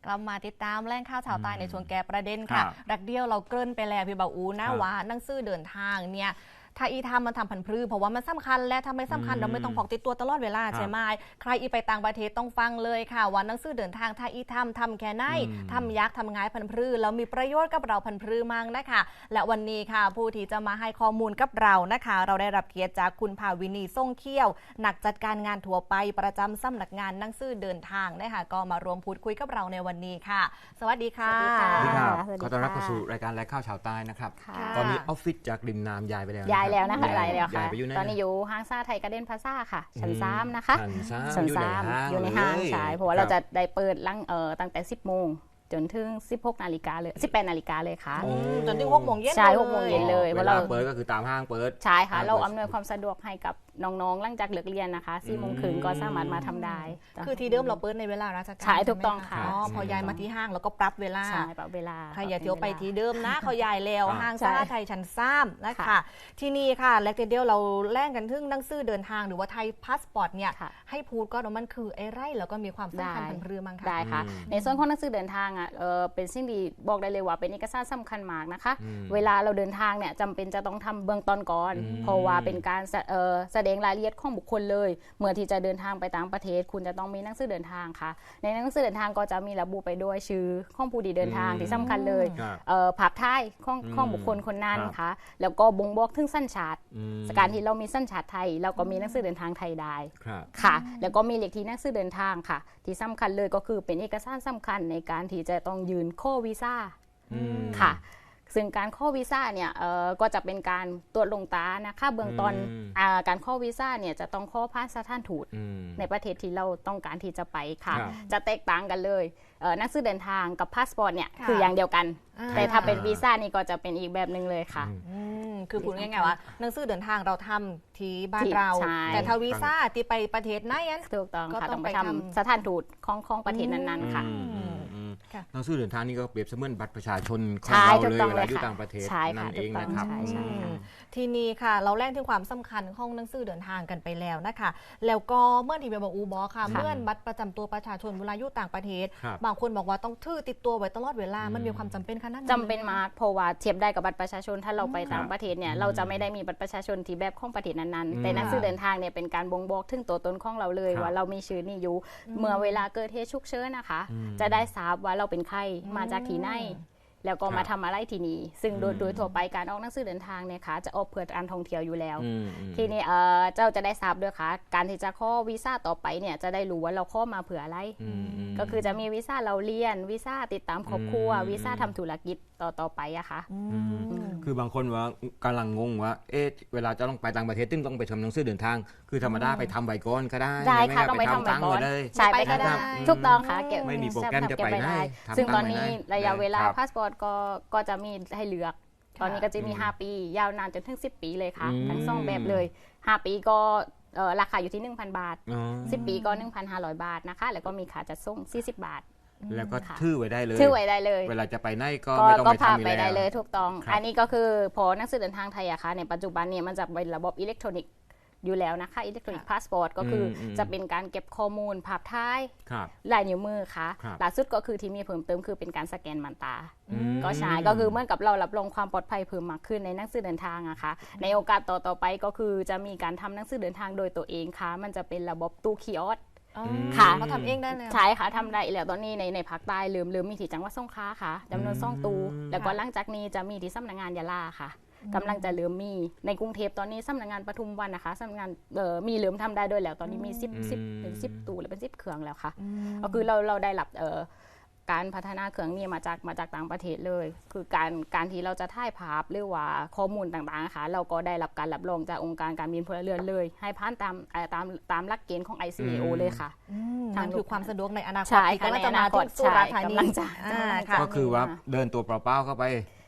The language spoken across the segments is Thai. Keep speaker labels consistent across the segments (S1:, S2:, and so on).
S1: เรามาติดตามแหล่งข่าวชาวใต้ในช่วงแกประเด็นค่ะรักเดียวเราเกริ่นไปแล้วพี่บ่าวอูนะว่าหนังสือเดินทางเนี่ยถ้าอีทำมันทำผันพลื้เพราะว่ามันสำคัญและถ้าไม่สำคัญเราไม่ต้องพกติดตัวตลอดเวลาใช่ไหมใครอีไปต่างประเทศต้องฟังเลยค่ะว่าหนังสือเดินทางถ้าอีทำแค่ไหนทำยักษ์ทำง่ายผันพลื้แล้วมีประโยชน์กับเราผันพลื้มั่งนะคะและวันนี้ค่ะผู้ที่จะมาให้ข้อมูลกับเรานะคะเราได้รับเกียรติจากคุณภาวินีส่งเขี้ยวนักจัดการงานทั่วไปประจำสำนักงานหนังสือเดินทางนะคะก็มารวมพูดคุยกับเราในวันนี้ค่ะสวัสดีค่ะ
S2: สวัสดีค่ะขอต้อนรับเข้าสู่รายการแลกข้าวชาวใต้นะครับตอนนี้ออฟฟิศจากริมน้ำย้ายไปแล้ว
S3: นะคะย้ายแล้วค่ะตอนนี้อยู่ห้างซ่าไทยการ์เด้นพลาซ่าค่ะชั้น3นะคะชั้น3อยู่ในห้างใช่เพราะว่าเราจะได้เปิดตั้งแต่ 10 โมงจนถึง 16 นาฬิกาเลย 18 นาฬิกาเลยค่ะ
S1: จนถึง 6 โมงเย็น
S3: ใช่ 6 โมงเย็นเลย
S2: เวลาเปิดก็คือตามห้างเปิด
S3: ใช่ค่ะเราอำนวยความสะดวกให้กับน้องๆหลังจากเลิกเรียนนะคะ4 โมงครึ่งก็สามารถมาทำได้
S1: คือที่เดิมเราเปิดในเวลาราชการ
S3: ใช่ถูกต้องค่ะ
S1: พอย้ายมาที่ห้างแล้วก็ปรับเวลา
S3: ใช่ปรับเวลา
S1: ใครอย่าเที่ยวไปที่เดิมนะเขาย้ายแล้วห้างซ่าไทยชั้น3นะคะที่นี่ค่ะแลกเดียวเราแล่งกันถึงหนังสือเดินทางหรือว่าไทยพาสปอร์ตเนี่ยให้พูดก็มันคือไอ้ไรแล้วก็มีความสำคัญผันพลื้มั้งค่ะ
S3: ได้ค่ะในส่วนของหนังสือเดินทางเป็นสิ่งที่บอกได้เลยว่าเป็นเอกสารสำคัญมากนะคะเวลาเราเดินทางเนี่ยจำเป็นจะต้องทำเบื้องต้นก่อนเพราะว่าเป็นการแสดงรายละเอียดของบุคคลเลยเมื่อที่จะเดินทางไปต่างประเทศคุณจะต้องมีหนังสือเดินทางค่ะในหนังสือเดินทางก็จะมีระบุไปด้วยชื่อของผู้ที่เดินทางที่สำคัญเลยภาพถ่ายของบุคคลคนนั้นค่ะแล้วก็บ่งบอกถึงสัญชาติการที่เรามีสัญชาติไทยเราก็มีหนังสือเดินทางไทยได้ค่ะแล้วก็มีเลขที่หนังสือเดินทางค่ะที่สำคัญเลยก็คือเป็นเอกสารสำคัญในการที่จะต้องยืนข้อวีซ่าค่ะซึ่งการข้อวีซ่าเนี่ยก็จะเป็นการตรวจลงตานะคะเบื้องต้นการข้อวีซ่าเนี่ยจะต้องข้อผ่านสถานทูตในประเทศที่เราต้องการที่จะไปค่ะจะแตกต่างกันเลยหนังสือเดินทางกับพาสปอร์ตเนี่ยคืออย่างเดียวกันแต่ถ้าเป็นวีซ่านี่ก็จะเป็นอีกแบบนึงเลยค่ะ
S1: คือพูดง่ายๆว่าหนังสือเดินทางเราทำที่บ้านเราแต่ถ้าวีซ่าที่ไปประเทศไหน
S3: ถูกต้องค่ะต้องไปทำสถานทูตของประเทศนั้นๆค่ะ
S2: หนังสือเดินทางนี่ก็เปรียบเสมือนบัตรประชาชนของเราเลยเวลาอยู่ต่างประเทศนั่นเองนะครับ
S1: ทีนี้ค่ะเราแล่งถึงความสำคัญของหนังสือเดินทางกันไปแล้วนะคะแล้วก็เมื่อที่ไปบอกอูบอค่ะเมื่อบัตรประจำตัวประชาชนเวลาอยู่ต่างประเทศบางคนบอกว่าต้องถือติดตัวไว้ตลอดเวลามันมีความจำเป็นขนาดนั้น
S3: จำเป็นมากเพราะว่าเทียบได้กับบัตรประชาชนถ้าเราไปต่างประเทศเนี่ยเราจะไม่ได้มีบัตรประชาชนที่แบบของประเทศนั้นๆแต่หนังสือเดินทางเนี่ยเป็นการบ่งบอกถึงตัวตนของเราเลยว่าเรามีชื่อนี่อยู่เมื่อเวลาเกิดเหตุฉุกเฉินนะคะจะได้ทราบว่าเราเป็นใครมาจากที่ไหนแล้วก็มาทำอะไรที่นี่ซึ่งโดยทั่วไปการออกหนังสือเดินทางเนี่ยค่ะจะออกเพื่อการท่องเที่ยวอยู่แล้วทีนี้เจ้าจะได้ทราบด้วยค่ะการที่จะข้อวีซ่าต่อไปเนี่ยจะได้รู้ว่าเราข้อมาเผื่ออะไรก็คือจะมีวีซ่าเราเรียนวีซ่าติดตามครอบครัววีซ่าทำธุรกิจต่อไปอะค่ะ
S2: คือบางคนว่ากำลังงงว่าเวลาจะต้องไปต่างประเทศต้องไปทำหนังสือเดินทางคือธรรมดาไปทำใบก่อนก็ได้
S3: ได้ค่ะต้องไปทำใบก่อนใช่ไปก็ได้ทุกต้องค่ะ
S2: ไม่มีโปรแกรมจะไปได้
S3: ซึ่งตอนนี้ระยะเวลาพาสปอร์ตก็จะมีให้เลือกตอนนี้ก็จะมี5ปียาวนานจนถึง10ปีเลยค่ะทั้ง2แบบเลย5ปีก็ราคาอยู่ที่ 1,000 บาท10ปีก็ 1,500 บาทนะคะแล้วก็มีค่าจัดส่ง40 บาท
S2: แล้วก็ถือไว้ได้เลยเวลาจะไปไหนก็ไม่ต้องไปทำ
S3: ไปได้เลยถูกต้องอันนี้ก็คือพอหนังสือเดินทางไทยอะค่ะในปัจจุบันเนี่ยมันจะเป็นระบบอิเล็กทรอนิกส์อยู่แล้วนะคะอิเล็กทรอนิกส์พาสปอร์ตก็คือจะเป็นการเก็บข้อมูลภาพถ่ายลายนิ้วมือค่ะล่าสุดก็คือที่มีเพิ่มเติมคือเป็นการสแกนมันตาก็ใช่ก็คือเหมือนกับเรารับรองความปลอดภัยเพิ่มมากขึ้นในหนังสือเดินทางอะค่ะในโอกาสต่อไปก็คือจะมีการทำหนังสือเดินทางโดยตัวเองค่ะมันจะเป็นระบบตู้คีออส
S1: ค่ะเขาทำเองได้เลย
S3: ใช่ค่ะทำได้แล้วตอนนี้ในภาคใต้ลืมมีที่จังหวัดสงขลาค่ะจำนวน2 ตู้แล้วก็หลังจากนี้จะมีที่สำนักงานยะลาค่ะกำลังจะเริ่มมีในกรุงเทพตอนนี้สำนักงานปทุมวันนะคะสำนักงานมีเริ่มทำได้ด้วยแล้วตอนนี้มี10 ตู้หรือเป็น10 เครื่องแล้วค่ะก็คือเราได้รับการพัฒนาเครื่องนี้มาจากต่างประเทศเลยคือการที่เราจะถ่ายภาพหรือว่าข้อมูลต่างๆนะคะเราก็ได้รับการรับรองจากองค์การการบินพลเรือนเลยให้ผ่านตามหลักเกณฑ์ของ ICAO เลยค่ะ
S1: นั่นคือความสะดวกในอนาคต
S3: ที่กำลังจะมาถึงสุราษฎร์ธานี
S2: ก็คือว่าเดินตัวเปล่าๆเข้าไป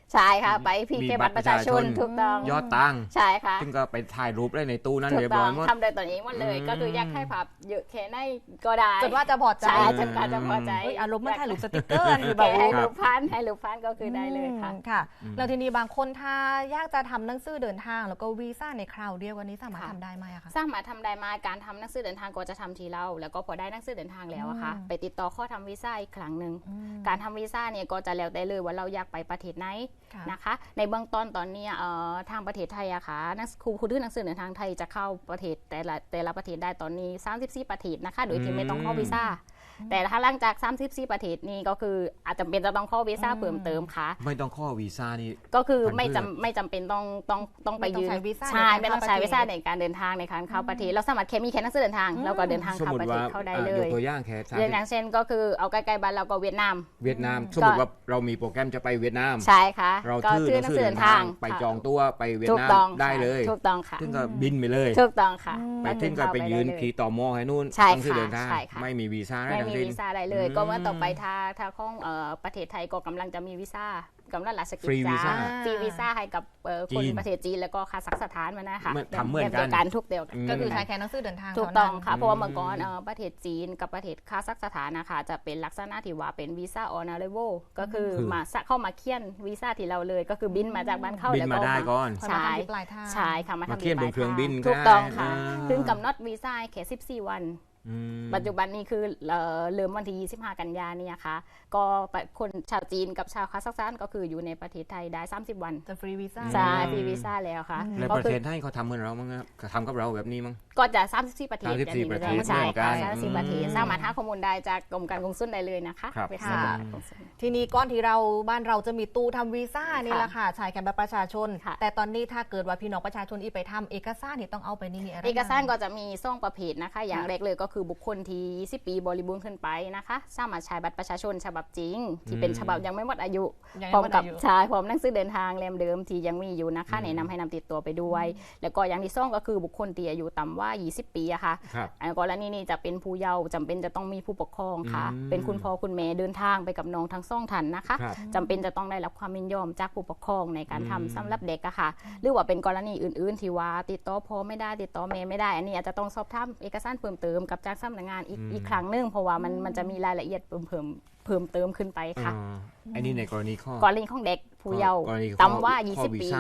S3: ใช่ค่ะไปพีเคบัตรประชาชนถูกต้อง
S2: ยอดตังค์
S3: ใช่ค่ะ
S2: ซึ่งก็ไปถ่ายรูปได้ในตู้นั้น
S3: ถู
S2: เรีย
S3: ก
S2: บ
S3: ต้
S2: ร้
S3: อ
S2: อง ยหมด
S3: ทำโดยตัวเองหมดเลยก็คืออยากให้ภาพเยอะแค่ไหนก็ได้
S1: จนว่าจะพอใจ
S3: ใช่จนกว่าจะพอใจ
S1: เฮ้ยอารมณ์มันถ่ายรูปสติกเกอร์นี่แบ
S3: แก
S1: บ
S3: ให้รูปพันก็คือได้เลยค่ะ
S1: ค่ะแล้วทีนี้บางคนถ้าอยากจะทำหนังสือเดินทางแล้วก็วีซ่าในคราวเดียวกันนี้สามารถ
S3: ค่ะ
S1: ทำได้ไหมอะคะ
S3: สร้างมาทำได้มาการทำหนังสือเดินทางก็จะทำทีเราแล้วก็พอได้หนังสือเดินทางแล้วอะค่ะไปติดต่อข้อทำวีซ่าอีกครั้งหนึ่งการทำวีซ่าเนี่ยก็จะแล้วแต่เลยว่าเราอยากไปประเทศไหน
S1: ค่ะ
S3: นะคะในเบื้องต้นตอนนี้ทางประเทศไทยอะค่ะครูที่หนังสือเดินทางไทยจะเข้าประเทศแต่ละประเทศได้ตอนนี้34ประเทศนะคะโดยที่ไม่ต้องเข้าวีซ่าแต่ถ้าหลังจาก34ประเทศนี้ก็คืออาจจะเป็นจะต้องเข้าวีซ่าเพิ่มเติมค่ะ
S2: ไม่ต้องข้อวีซ่านี่
S3: ก็คือ
S2: พันธุ์
S3: ไม่จำเป็นต้องไปยืน
S1: ไม่ต้องใช้วีซ่า
S3: ใช่
S1: ในการ
S3: ไม่ต้องใช้
S1: เข้าประเทศ
S3: วีซ่าในการเดินทางในการเข้าประเทศเราสามารถแค่มีแค่หนังสือเดินทางเราก็เดินทาง
S2: สม
S3: เข้าม
S2: ติ
S3: ประเท
S2: ว่า
S3: ศเข้าได้เลย
S2: กตัวอย่างแค่
S3: เรื่องอย่างเช่นก็คือเอาใกล้ๆบ้านเราก็เวียดนาม
S2: เวียดนามสมมติว่าเรามีโปรแกรมจะไปเวียดนาม
S3: ใช่ค่ะ
S2: เรา
S3: ก็
S2: ชื่อ
S3: หนังสือเดินทาง
S2: ไปจองตัวไปเวียด
S3: ถูก
S2: นาม
S3: ต้อง
S2: ได้เลย
S3: ถูกต้องค่ะ
S2: ซึ่งก็บินไปเลย
S3: ถูกต้องค่ะ
S2: ไปถึงก็ไปยืนขี่ต่อมอให้นู่น
S3: ใช่
S2: ต้องชื่อเดินทาง
S3: ใช่ค่ะ
S2: ไม่มีวีซ่าได้
S3: ไม่
S2: ทั้ง
S3: มี
S2: สิ้น
S3: วีซ่าได้เลย ก็เมื่อต่อไปถ้าของประเทศไทยก็กำลังจะมีวีซ่ากำลังราชกิจ
S2: ฟรีวีซ่า
S3: ฟรีวีซ่าให้กับคน
S2: จีน
S3: ประเทศจีนแล้วก็คาซัคสถานมานะคะ
S2: ทำเหมือนกัน
S3: แบบดียวกันทุกเดียวกัน
S1: ก็คือใช้แค่หนังสือเดินทาง
S3: ถูก
S1: เท่า
S3: ต้
S1: นั้
S3: อง
S1: น
S3: ค่ะเพราะว่าเมื่อก่อนประเทศจีนกับประเทศคาซัคสถานนะคะจะเป็นลักษณะที่ว่าเป็นวีซ่าออนอาร์เวลก็คือมาเข้ามาเคียนวีซ่าที่เราเลยก็คือบินมาจากบ้านเข้า
S2: บิน
S3: แล้ว
S2: มา
S3: ก็
S2: ได้ก่อน
S1: ใช่มาทำที่ปลายทาง
S3: ใช่ค่ะมา
S2: มา
S3: ทำ
S2: เคียนบนเครื่องบิน
S3: ถูกต้อง
S2: ก็ได้
S3: ค่ะ
S2: อ่า
S3: ถึงกำหนดวีซ่าแค่14 วัน ปัจจุบันนี้คือเริ่มวันที่25 กันยายนเนี่ยค่ะก็คนชาวจีนกับชาวคาซัคสถานก็คืออยู่ในประเทศไทยได้30 วัน
S1: จะฟรีวีซ่า
S3: ใช่ฟรีวีซ่าแล้วค่ะ
S2: ใน
S3: ก็
S2: ประ
S3: คื
S2: เท
S3: อ
S2: ศไทยเขาทำเหมือนเรามั้งครับทำกับเราแบบนี้มั้ง
S3: ก็จะ34ประเทศ
S2: 34ประเทศ
S3: ใช่ค่ะ
S2: เหมือนกัน
S3: 34ประเทศสามารถหาข้อมูลได้จากกรมการกงสุลได้เลยนะคะ
S2: ครับ
S3: เว็บไซต์
S1: ค่ะ
S3: กงสุล
S1: ทีนี้ก้อนที่บ้านเราจะมีตู้ทำวีซ่านี่แหละค่ะใช้แค่บัตรประชาชน
S3: ค่ะ
S1: แต่ตอนนี้ถ้าเกิดว่าพี่น้องประชาชนอีไปทำเอกสารนี่ต้องเอาไปนี่อะไร
S3: เอกสาร
S1: บ้ง
S3: ก็จะมี2ประเภทนะคะ อย่างแรกเลยก็คือบุคคลที่20 ปีบริบูรณ์ขึ้นไปนะคะสามารถใช้บัตรประชาชนฉบับจริง ที่เป็นฉบับยังไม่หมดอายุ
S1: ยัง
S3: พร้อม
S1: ไม่หมด
S3: กับ
S1: อายุ
S3: ใช่พร้อมหนังสือเดินทางเล่มเดิมที่ยังมีอยู่นะคะแนะนำให้นำติดตัวไปด้วย แล้วก็อย่างที่2ก็คือบุคคลที่อายุต่ำกว่า20 ปีอะค่ะ
S2: ครับ
S3: กรณีนี้จะเป็นผู้เยาว์จำเป็นจะต้องมีผู้ปกครองค่ะ เป็นคุณพ่อคุณแม่เดินทางไปกับน้องทั้งสองท่านนะคะ
S2: ครับ
S3: จำเป็นจะต้องได้รับความยินยอมจากผู้ปกครองในการทำสำหรับเด็กอะค่ะ หรือว่าเป็นกรณีอื่นๆที่ว่าติดต่อพ่อไม่ได้ติดต่อแม่ไม่ได้ อันนี้อาจจะต้องสอบถามเอกสารเพิ่มเติมกับจากสำนักงานอีกครั้งหนึงเพราะว่ามันจะมีรายละเอียดเพิ่มเติมขึ้นไปค่ะ
S2: อันนี้ในกรณีข้อ
S3: กรณีของเด็กผู้เยาว์
S2: กรณีข้อ
S3: ต่ำกว่า
S2: ข้อ
S3: 20 ปี
S2: ซ่าก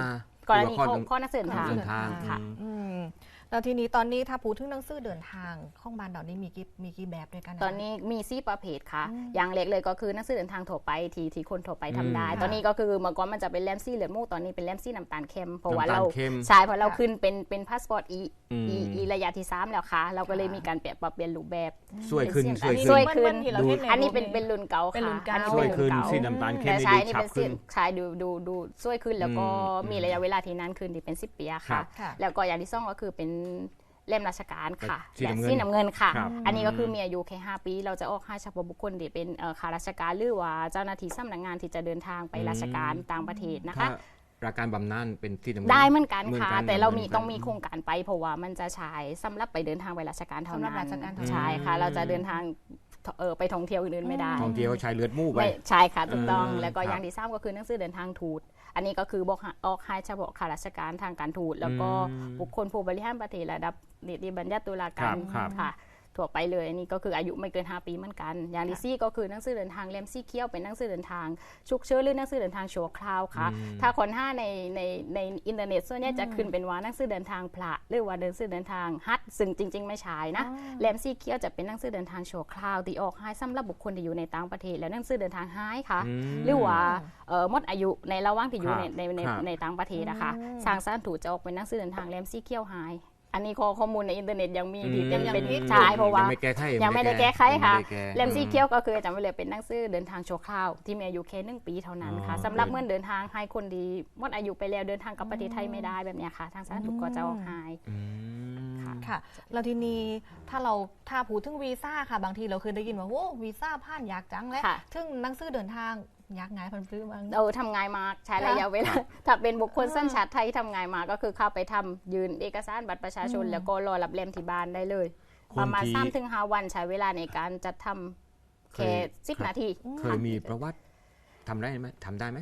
S3: รณี
S2: หอว่า
S3: ข้อนักเดินทาง
S2: เดินทาง
S3: ค่ะ
S1: อืมแล้วทีนี้ตอนนี้ถ้าพูดถึงหนังสือเดินทางของบ้านเรานี่มีกี่แบบด้วยกันะ
S3: ตอนนี้มี4ประเภทค่ะ อย่างเล็กเลยก็คือหนังสือเดินทางทั่วไปที่คนทั่วไปทำได้
S2: อืม
S3: ตอนนี้ก็คือเมื่อก่อนมันจะเป็นแลมซี่เหลือดมูกตอนนี้เป็นแลมซี่น้ำตาลเค็มเพราะว่า
S2: น้ำตาล
S3: เรา
S2: เค็ม
S3: ใช่เพราะเราขึ้นเป็นพาสปอร์ตอี
S2: อืม
S3: ระยะที่3แล้วค่ะ เราก็เลยมีการปรับเปลี่ยนรูปแบบ
S2: สวยขึ้น
S3: เป็น
S2: สวย
S3: อั
S2: ขึ้น
S3: สวยขึ้น
S1: ที่เราเห็นใน
S3: อันนี้
S1: รู
S3: เป็นรุ่นเก่า
S1: เป็นรุ่
S3: ค่ะ
S1: นเก่า
S3: อันนี้
S2: สวย
S3: เป็น
S2: ขึ้
S3: รุ่
S2: น
S3: นเก่า
S2: สีน้ำตาลเข้ม
S3: แต่
S2: นี่
S3: ใช่
S2: ดู
S3: นี่
S2: ฉับ
S3: เป็นสี
S2: ขึ้น
S3: ใช่ดูสวยขึ้นแล้วก็มีระยะเวลาที่นานขึ้นที่เป็น10 ปีอะ
S2: ครั
S3: ค่ะ
S2: บ
S1: ค่ะ
S3: แล้วก็อย่างที่2ก็คือเป็นเล่มราชการค่ะ
S2: สี
S3: และ
S2: น้ำเงิน
S3: สีน้ำเงินค่ะ
S2: ครับ
S3: อันนี้ก็คือมีอายุแค่5 ปี เราจะออกให้เฉพาะบุคคลที่เป็นข้าราชการหรือว่าเจ้าหน้าที่สำนักงานที่จะเดินทางไปราชการต่างประเทศนะคะ
S2: ถ้าราการบำนาญเป็นที่น้ำเงิน
S3: ได้เหมือนกันค่ะ
S2: เหมือนกัน
S3: แต่เรามี
S2: เหมือนกัน
S3: ต้องมีโครงการไปเพราะว่ามันจะใช้สำหรับไปเดินทางไปราชการเท่านั้น
S1: สำหรับราชการเท่านั้น
S3: ใช่ค่ะ เราจะเดินทางไปท่องเที่ยวอื่นๆไม่ได้
S2: ท่องเที่ยวใช้เลือดหมู่ไป
S3: ไม่ใช่ค่ะถูกต้อง
S2: อืม
S3: แล้วก็
S2: ครับ
S3: อย่างที่3ก็คือหนังสือเดินทางทูตอันนี้ก็คือบอกออกให้เฉพาะข้าราชการทางการทูตแล้วก็บุคคลผู้บริหารประเทศระดับนิติบัญญัติตุลาการ
S2: ครับ
S3: ค่ะทั่วไปเลยอันนี้ก็คืออายุไม่เกิน5 ปีเหมือนกัน อย่างที่สี่ก็คือหนังสือเดินทางเล่มสีเขียวเป็นหนังสือเดินทางฉุกเฉินหรือหนังสือเดินทางชั่วคราวค่ะ ถ้าคนในอินเทอร์เน็ตส่วนใหญ่จะขึ้นเป็นว่าหนังสือเดินทางพระหรือว่าหนังสือเดินทางฮัทซึ่งจริง ๆ ไม่ใช่นะเล่มสีเขียวจะเป็นหนังสือเดินทางชั่วคราวที่ออกให้สำหรับบุคคลที่อยู่ในต่างประเทศและหนังสือเดินทางหายค่ะ หรือว่าหมดอายุในระหว่างที่อยู่
S2: ครับ
S3: ในต่างประเทศนะคะทางสารถูกจะออกเป็นหนังสือเดินทางเล่มสีเขียวหาย อันนี้ข้อมูลในอินเทอร์เน็ตยังมีที่เป็นใช่เพราะว่า
S2: ยังไม่แก้ไข
S3: ยังไม่ได้แก้ไขค่ะ
S2: ยังไม่ได้แก้
S3: เล่มสีเขียวก็คือจำไว้เลยเป็นหนังสือเดินทางชั่วคราวที่มีอายุแค่1 ปีเท่านั้นค่ะ
S2: อ๋อ
S3: สำหรับเมื่อเดินทางให้คนดีหมดอายุไปแล้วเดินทางกลับประเทศไทยไม่ได้แบบเนี้ยค่ะ ทางสารถูกก็จะออกหาย
S2: อืม
S1: ค่ะแล้วทีนี้ถ้าพูดถึงวีซ่าค่ะบางทีเราเคยได้ยินว่าโอ้วีซ่าผ่านยากจังเลย
S3: ค่ะ
S1: ถึงหนังสือเดินทางยากง่ายพันพื้นบาง
S3: ทำงานมากใช้ระยะเวลาถ้าเป็นบุคคลสัญชาติไทยทำงานมาก็คือเข้าไปทำยืนเอกสารบัตรประชาชน แล้วก็รอรับเล่มที่บ้านได้เลย
S2: คน
S3: ประมาณ
S2: ที่
S3: 3-5 วันใช้เวลาในการจัดทำแค่10 นาที
S2: เคยมีประวัติทำได้ไหม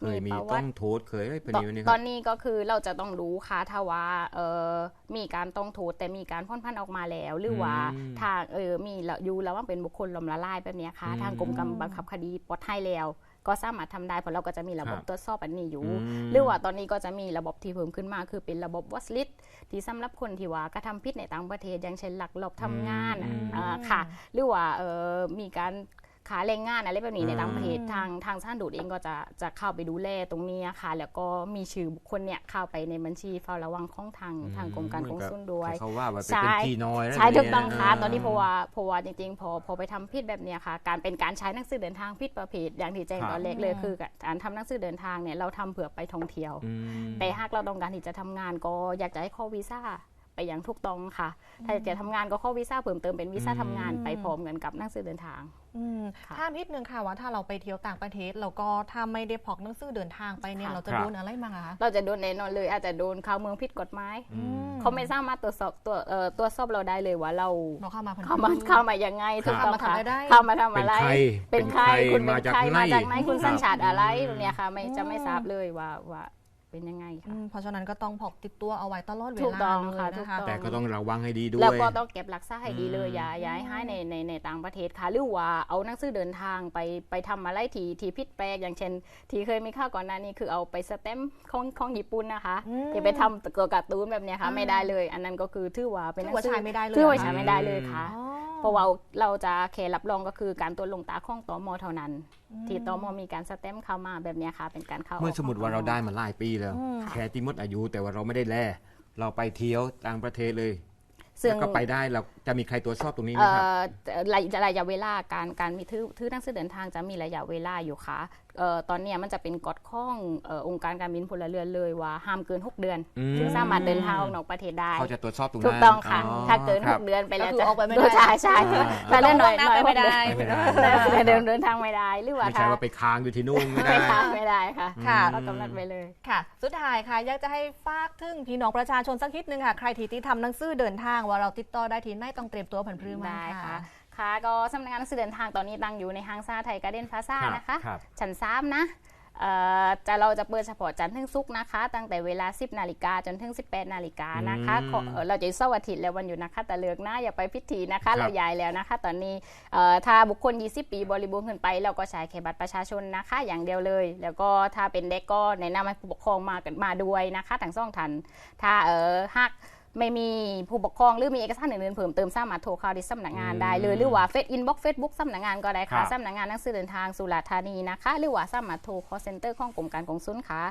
S2: เคยมี
S3: ประวั
S2: ต้อ
S3: ติ
S2: งโทษเคยอะไรประเด็นนี้ค
S3: ตอ
S2: รับ
S3: นนี้ก็คือเราจะต้องรู้ค่ะถ้าว่ามีการต้องโทษแต่มีการพ้นพันออกมาแล้ว หรือว่าทางมีอยู่แล้วว่าเป็นบุคคลล้มละลายแบบเนี้ยค่ะทางกรมการบังคับคดีปลดให้แล้วก็สามารถทำได้เพราะเราก็จะมีระบบตรวจสอบอันนี้อยู่ หรือว่าตอนนี้ก็จะมีระบบที่เพิ่มขึ้นมาคือเป็นระบบวอชลิสต์ที่สำหรับคนที่ว่ากระทำผิดในต่างประเทศอย่างเช่นลักลอบทำงานค่ะหรือว่ามีการขาแรงงานอะไรแบบนี้ในต่างประเทศทางชาติดูดเองก็จะเข้าไปดูแลตรงนี้ค่ะแล้วก็มีชื่อบุคคลเนี่ยเข้าไปในบัญชีเฝ้าระวังของทางกรมการกงสุลด้วย
S2: เขาว่าเป็นพี่น้อย
S3: ใช่ถูกต้องค่ะตอนนี้เพราะว่าจริงๆพอไปทำผิดแบบเนี้ยค่ะการใช้หนังสือเดินทางผิดประเภทอย่างที่แจ้งตอนแรกเลยคือการทำหนังสือเดินทางเนี่ยเราทำเผื่อไปท่องเที่ยวแต่หากเราต้องการที่จะทำงานก็อยากจะให้ข้อวีซ่าไปอย่างถูกต้องค่ะถ้าจะทำงานก็ข้อวีซ่าเพิ่มเติมเป็นวีซ่าทำงานไปพร้อมกันกับหนังสือเดินทาง
S1: ถ้านิดนึงค่ะว่าถ้าเราไปเที่ยวต่างประเทศเราก็ถ้าไม่ได้พกหนังสือเดินทางไปเนี่ยเราจะโดนอะไรบ้างคะ
S3: เราจะโดนแน่นอนเลยอาจจะโดนเข้าเมืองผิดกฎหมายเขาไม่สามารถตรวจสอบเราได้เลยว่าเรา
S1: เข้า
S3: มายังไงถูกต้องค่ะ
S1: เข้า
S3: เข้ามาทำอะไรเป็นใครคุณ
S2: มา
S3: เป็น
S2: จาก
S3: ใคร
S2: ไหน
S3: มาจากไหนคุณสัญชาติอะไรตรงเนี้ยค่ะจะไม่ทราบเลยว่าเป็นยังไงค่ะ
S1: เพราะฉะนั้นก็ต้องพกติดตัวเอาไว้ตลอดเวลา
S3: ถูกต้องค่ะ
S1: เลยนะคะ
S2: แต่ก็ต้องระวังให้ดีด้วย
S3: แล้วก็ต้องเก็บรักษาให้ดีเลยอย่าให้ในต่างประเทศค่ะหรือว่าเอาหนังสือเดินทางไปทำอะไรที่ผิดแปลกอย่างเช่นที่เคยมีข่าวก่อนหน้านี้คือเอาไปสแตมป์ของญี่ปุ่นนะคะอย่าไปทำตัวการ์ตูนแบบเนี้ยค่ะไม่ได้เลยอันนั้นก็คือถือว่าเป็นหนังสือ
S1: ใช้ไม่ได้เลย
S3: ถือว่าใช้ไม่ได้เลยค่ะเพราะว่าเราจะแค่รับรองก็คือการตรวจลงตาของตม.เท่านั้นที่ตม.มีการสแตมป์เข้ามาแบบเนี้ยค่ะเป็นการเข้า
S2: เมื่อสมมติว่าเราได้มาหลายปีแล้วแค่ที่หมดอายุแต่ว่าเราไม่ได้แลเราไปเที่ยวต่างประเทศเลยแล้วก็ไปได้เราจะมีใครตรวจสอบตรงนี้ไหมครับ
S3: ระยะเวลาการมีถือหนังสือเดินทางจะมีระยะเวลาอยู่ค่ะตอนนี้มันจะเป็นกฎข้ององค์การการบินพลเรือนเลยว่าห้ามเกิน6 เดือนถึงสามารถเดินทางออกนอกประเทศได้
S2: เขาจะตรวจสอบตรงนั้น
S3: ถูกต้องค่ะถ้าเกิน6 เดือนไปแล้วจะ
S1: ออกไปไม่ได้
S3: ใช่ถ้าเดินหน่อย
S1: ไม่ได้
S3: เดินทางไม่ได้หรือว่า
S2: ไม่ใช่ว่าไปค้างอยู่ที่นู่นไม่ได้
S3: ไม่ได้ค่ะเรากำหนดไปเลย
S1: ค่ะสุดท้ายค่ะอยากจะให้ฝากถึงพี่น้องประชาชนสักนิดนึงค่ะใครที่ทำหนังสือเดินทางว่าเราติดต่อได้ที่ไหนต้องเตรียมตัวผันพรือมา
S3: ค่ะก็สำนักงานหนังสือเดินทางตอนนี้ตั้งอยู่ในห้างซ่าไทยการ์เด้นพลาซ่านะคะชั้น3นะเราจะเปิดเฉพาะจันทร์ถึงศุกร์นะคะตั้งแต่เวลา 10 นาฬิกาจนถึง 18 นาฬิกานะคะเราจะเสาร์อาทิตย์และวันหยุดนะคะแต่เลิกนะอย่าไปพิธีนะคะเราย้ายแล้วนะคะตอนนี้ถ้าบุคคล20 ปีบริบูรณ์ขึ้นไปเราก็ใช้แค่บัตรประชาชนนะคะอย่างเดียวเลยแล้วก็ถ้าเป็นเด็กก็แนะนำให้ผู้ปกครองมาด้วยนะคะทั้ง2 ท่านถ้าหากไม่มีผู้ปกครองหรือมีเอกสารอื่นๆเพิ่มเติมสามารถโทรเข้าที่สำนักงานได้เลยหรือว่าอินบ็อกซ์เฟซบุ๊กสำนักงานก็ได้ค่ะสำนักงานหนังสือเดินทางสุราษฎร์ธานีนะคะหรือว่าสามารถโทร call center ของกรมการกงสุลค่ะ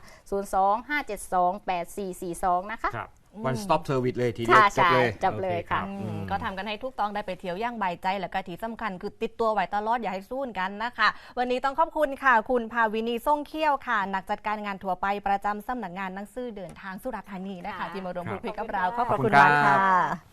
S3: 02-572-8442นะคะ
S2: one stop service เลยทีเดียว
S3: จบเลยค่ะ
S1: ก็ทำกันให้ทุกต้องได้ไปเที่ยวย่างใบใจและก็ที่สำคัญคือติดตัวไว้ตลอดอย่าให้สู้กันนะคะวันนี้ต้องขอบคุณค่ะคุณภาวินีส่งเขี้ยวค่ะนักจัดการงานทั่วไปประจำสำนักงานหนังสือเดินทางสุราษฎร์ธานีนะคะที่มาร่วมพูดคุยกับเราขอบคุณมากค่ะ